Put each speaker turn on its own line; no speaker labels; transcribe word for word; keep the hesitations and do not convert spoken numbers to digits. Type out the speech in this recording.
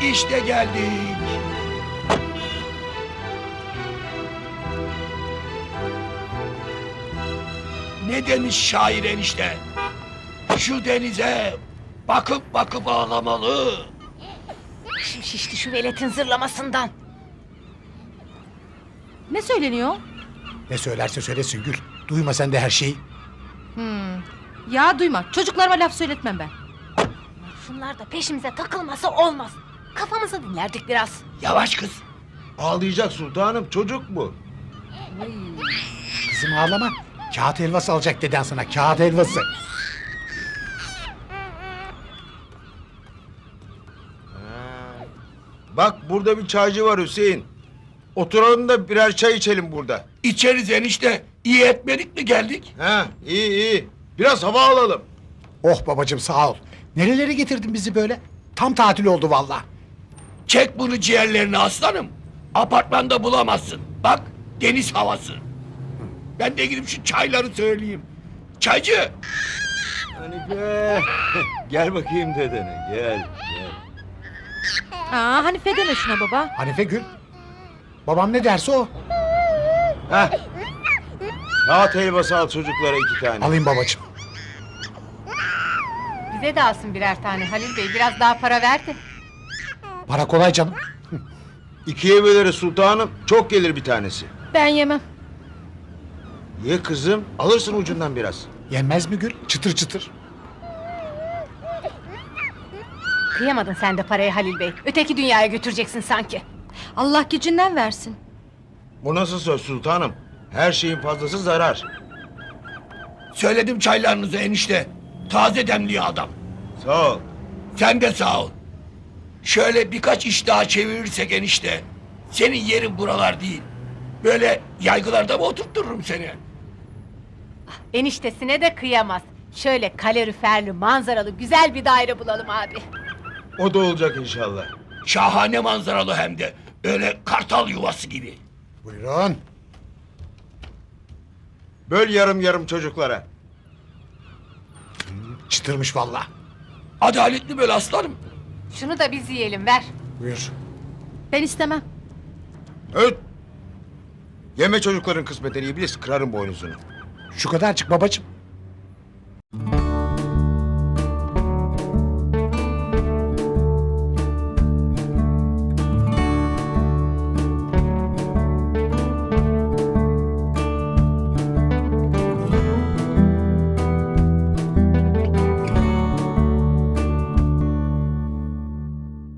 İşte geldik. Ne demiş şair enişte? Şu denize bakıp bakıp ağlamalı.
Başım şişti şu veletin zırlamasından.
Ne söyleniyor?
Ne söylerse söylesin Gül. Duyma sen de her şeyi.
Hmm. Ya duyma. Çocuklarıma laf söyletmem ben.
Şunlar da peşimize takılmasa olmaz. Kafamızı dinlerdik biraz.
Yavaş kız.
Ağlayacak sultanım, çocuk bu.
Kızım ağlama. Kağıt helvası alacak deden sana. Kağıt helvası.
Bak burada bir çaycı var Hüseyin. Oturalım da birer çay içelim burada.
İçeriz enişte. İyi etmedik mi geldik?
Ha, iyi iyi. Biraz hava alalım.
Oh babacığım sağ ol. Nerelere getirdin bizi böyle? Tam tatil oldu vallahi.
Çek bunu ciğerlerini aslanım. Apartmanda bulamazsın. Bak deniz havası. Ben de gidip şu çayları söyleyeyim. Çaycı.
Hanife. Gel bakayım dedene, gel. gel.
Aa, Hanife deme şuna baba.
Hanife Gül. Babam ne derse o.
Heh. Kağıt helvası al çocuklara iki tane.
Alayım babacığım.
Bize de alsın birer tane Halil Bey. Biraz daha para verdi.
Para kolay canım.
İkiye böleriz sultanım. Çok gelir bir tanesi.
Ben yemem.
Ye kızım. Alırsın ucundan biraz.
Yenmez mi Gül? Çıtır çıtır.
Kıyamadın sen de parayı Halil Bey. Öteki dünyaya götüreceksin sanki.
Allah gecinden versin.
Bu nasıl söz sultanım? Her şeyin fazlası zarar.
Söyledim çaylarınızı enişte. Taze demliyor adam.
Sağ ol.
Sen de sağ ol. Şöyle birkaç iş daha çevirirsek enişte. Senin yerin buralar değil. Böyle yaygılarda mı oturttururum seni?
Eniştesine de kıyamaz. Şöyle kaloriferli, manzaralı, güzel bir daire bulalım abi.
O da olacak inşallah.
Şahane manzaralı hem de. Öyle kartal yuvası gibi.
Buyurun.
Böl yarım yarım çocuklara.
Çıtırmış vallahi.
Adaletli böyle aslanım.
Şunu da biz yiyelim, ver.
Buyur.
Ben istemem.
Öt. Yeme çocukların kısmetini iblis, kırarım boynuzunu.
Şu kadarcık babacığım.